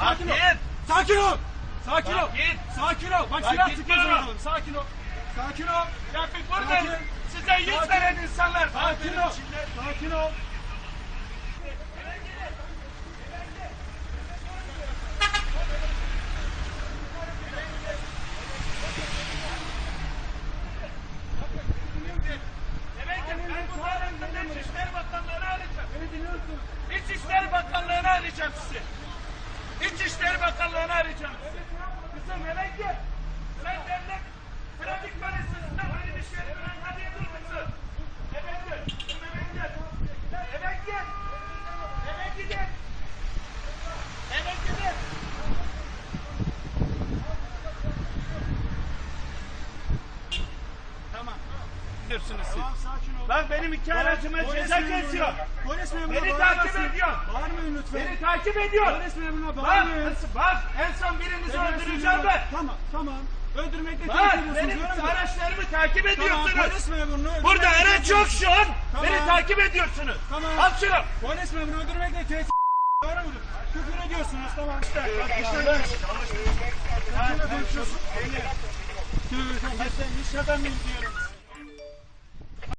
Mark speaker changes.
Speaker 1: Sakin ol. Sakin ol. Sakin ol. Sakin ol. Bak silah sıkıyorsun adamım. Sakin ol. Sakin ol.
Speaker 2: Ya bir burada size yüz veren insanlar.
Speaker 1: Sakin ol. Sakin ol.
Speaker 2: İçişleri Bakanlığı'nı arayacağım. İçişleri Bakanlığı'nı arayacağım sizi. İçişleri Bakanlığı'nı arayacağım sizi. Kızım eve gel. Sen devlet trafik polisisin. Benim iş yerimden hadi dur kızım. Eve gel. Eve gel. Eve gel. Eve gidin. Eve gidin.
Speaker 1: Tamam.
Speaker 2: Gidiyorsunuz siz.
Speaker 1: Tamam sakin ol.
Speaker 2: Bak benim iki aracıma ceza kesiyor.
Speaker 1: Polis memuruna
Speaker 2: Beni
Speaker 1: bağırmasın.
Speaker 2: takip ediyor.
Speaker 1: Bağırmayın lütfen.
Speaker 2: Beni takip ediyor.
Speaker 1: Polis memuruna
Speaker 2: Bak,
Speaker 1: bağırmayın.
Speaker 2: bak en son birinizi
Speaker 1: Polis
Speaker 2: öldüreceğim
Speaker 1: memuruna-
Speaker 2: ben.
Speaker 1: Tamam tamam. Öldürmekle
Speaker 2: Bak
Speaker 1: tehdit ediyorsunuz.
Speaker 2: benim
Speaker 1: öyle mi?
Speaker 2: araçlarımı takip
Speaker 1: Tamam
Speaker 2: ediyorsunuz.
Speaker 1: polis memurunu öldürmekle
Speaker 2: Burada
Speaker 1: tehdit
Speaker 2: araç yok
Speaker 1: ediyorsunuz.
Speaker 2: şu an.
Speaker 1: Tamam.
Speaker 2: Beni takip ediyorsunuz.
Speaker 1: Tamam.
Speaker 2: Al şunu.
Speaker 1: Polis memurunu öldürmekle tehdit. Doğru mudur? Küfür ediyorsunuz tamam. Bak işte. Kimle konuşuyorsun? Sen iş adamıyım diyorum.